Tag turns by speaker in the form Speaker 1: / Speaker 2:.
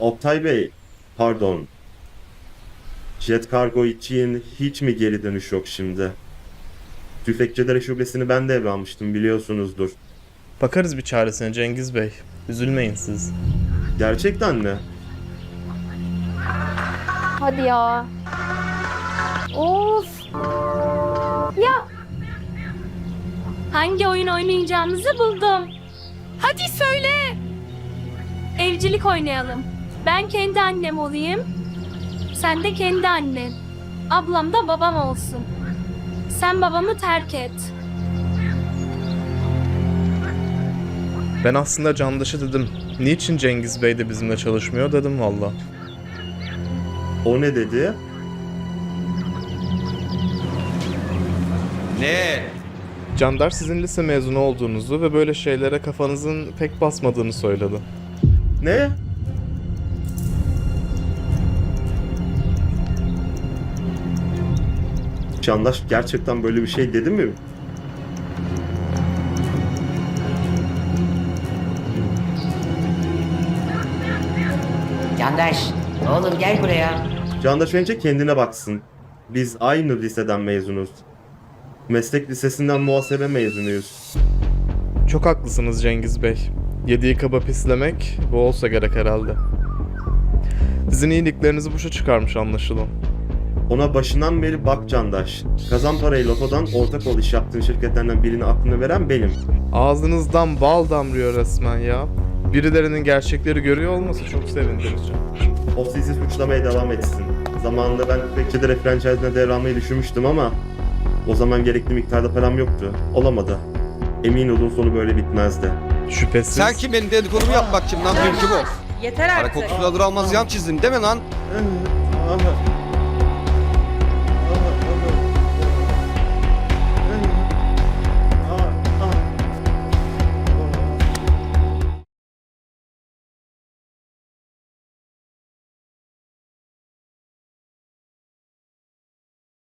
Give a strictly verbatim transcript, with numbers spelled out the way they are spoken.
Speaker 1: Oktay Bey, pardon. Jet Kargo için hiç mi geri dönüş yok şimdi? Tüfekçilere şubesini ben devralmıştım, biliyorsunuzdur.
Speaker 2: Bakarız bir çaresine Cengiz Bey. Üzülmeyin siz.
Speaker 1: Gerçekten mi?
Speaker 3: Hadi ya. Of. Ya.
Speaker 4: Hangi oyun oynayacağımızı buldum. Hadi söyle. Evcilik oynayalım. Ben kendi annem olayım. Sen de kendi annen. Ablam da babam olsun. Sen babamı terk et.
Speaker 2: Ben aslında Candaş'a dedim. Niçin Cengiz Bey de bizimle çalışmıyor dedim valla.
Speaker 1: O ne dedi?
Speaker 5: Ne?
Speaker 2: Candar sizin lise mezunu olduğunuzu ve böyle şeylere kafanızın pek basmadığını söyledi.
Speaker 1: Ne? Candaş gerçekten böyle bir şey dedi mi?
Speaker 6: Candaş, oğlum gel buraya.
Speaker 1: Candaş önce kendine baksın. Biz aynı liseden mezunuz. Meslek lisesinden muhasebe mezunuyuz.
Speaker 2: Çok haklısınız Cengiz Bey. Yediği kaba pislemek bu olsa gerek herhalde. Sizin iyiliklerinizi boşa çıkarmış anlaşılan.
Speaker 1: Ona başından beri bak Candaş. Kazan parayı lotodan ortak ol iş yaptığın şirketlerden birini aklına veren benim.
Speaker 2: Ağzınızdan bal damlıyor resmen ya. Birilerinin gerçekleri görüyor olması çok sevindirici.
Speaker 1: O sizi suçlamaya devam etsin. Zamanında ben tüfekçilere franchise'ine devralmayı düşünmüştüm ama o zaman gerekli miktarda param yoktu. Olamadı. Emin olun sonu böyle bitmezdi.
Speaker 2: Şüphesiz.
Speaker 5: Sen kim benim dedikodumu yapmak kim lan dünkü bu?
Speaker 6: Yeter
Speaker 5: Para
Speaker 6: artık.
Speaker 5: kokusunu alır almaz yan çizdin değil mi lan?
Speaker 1: Ah,